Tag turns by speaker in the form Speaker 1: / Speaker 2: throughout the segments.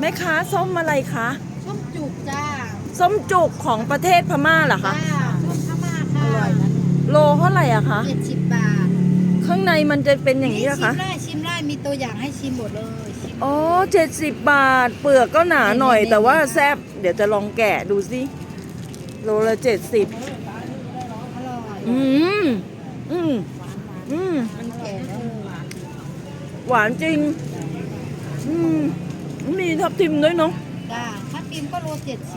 Speaker 1: ม่ค้าส้มอะไรคะ
Speaker 2: ส้มจุกจ้า
Speaker 1: ส้มจุกของประเทศพม่าเหรอคะ
Speaker 2: จ้าส้มพม่าค่ะอร่อยนะ
Speaker 1: โลเท่าไหร่อะคะ
Speaker 2: 70 บาท
Speaker 1: ข้างในมันจะเป็นอย่างนี้เหรอคะ
Speaker 2: ชิมได้มีตัวอย่างให้ชิมหมดเลย
Speaker 1: อ๋อ70 บาทเปลือกก็หนาหน่อยแต่ว่าแซ่บเดี๋ยวจะลองแกะดูสิโลละ70
Speaker 2: อร่อย
Speaker 1: อืมอืมอืม
Speaker 2: มันแก่แล้ว
Speaker 1: หวานจริงอืมมีทับทิมด้วยเนาะ
Speaker 2: จ้าถ้ากินก็โล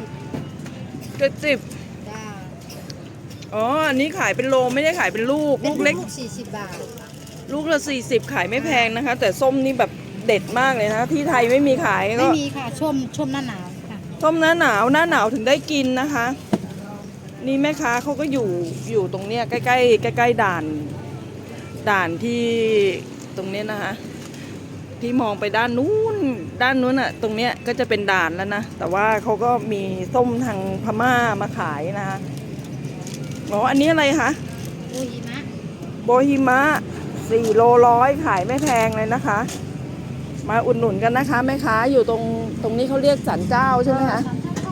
Speaker 1: 70
Speaker 2: จ้า
Speaker 1: อ๋ออันนี้ขายเป็นโลไม่ได้ขายเป็นลูกลูกเล็ก
Speaker 2: ลูก40 บาท
Speaker 1: ลูกละ40ขายไม่แพงนะคะแต่ส้มนี่แบบเด็ดมากเลยนะที่ไทยไม่มีขายก็
Speaker 2: ไม่มีค่ะช่วงหน้าหนาวค่ะ
Speaker 1: ส้มหน้าหนาวถึงได้กินนะคะนี่แม่ค้าเขาก็อยู่ตรงเนี้ยใกล้ด่านที่ตรงเนี้ยนะคะที่มองไปด้านนู้นอ่ะตรงเนี้ยก็จะเป็นด่านแล้วนะแต่ว่าเขาก็มีส้มทางพม่ามาขายนะคะอ๋ออันนี้อะไรคะ
Speaker 2: โอฮิมะ
Speaker 1: โบฮิมะ4 โล100ขายไม่แพงเลยนะคะมาอุดหนุนกันนะคะแม่ค้าอยู่ตรงนี้เขาเรียกศาลเจ้าใช่ไหมคะ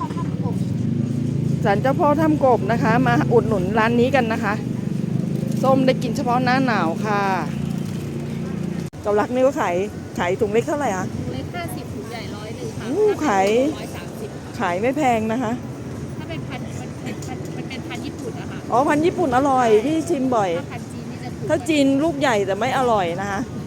Speaker 1: ศาลเจ้าพ่อถ้ำกบนะคะมาอุดหนุนร้านนี้กันนะคะส้มได้กินเฉพาะหน้าหนาวค่ะเกาลักนี่ก็ขายถุงเล็กเท่าไหร่คะ
Speaker 2: ถุงเล็ก50ถุงใหญ่100ค่ะ
Speaker 1: ขายไม่แพงนะคะ
Speaker 2: ถ้าเป็นพันมันเป็นพันญี่ปุ่นนะคะ
Speaker 1: อ๋อพันธุ์ญี่ปุ่นอร่อยพี่ชิมบ่อย
Speaker 2: ถ้าพันจีนนี่จะถูก
Speaker 1: ถ้าจีนลูกใหญ่แต่ไม่อร่อยนะคะ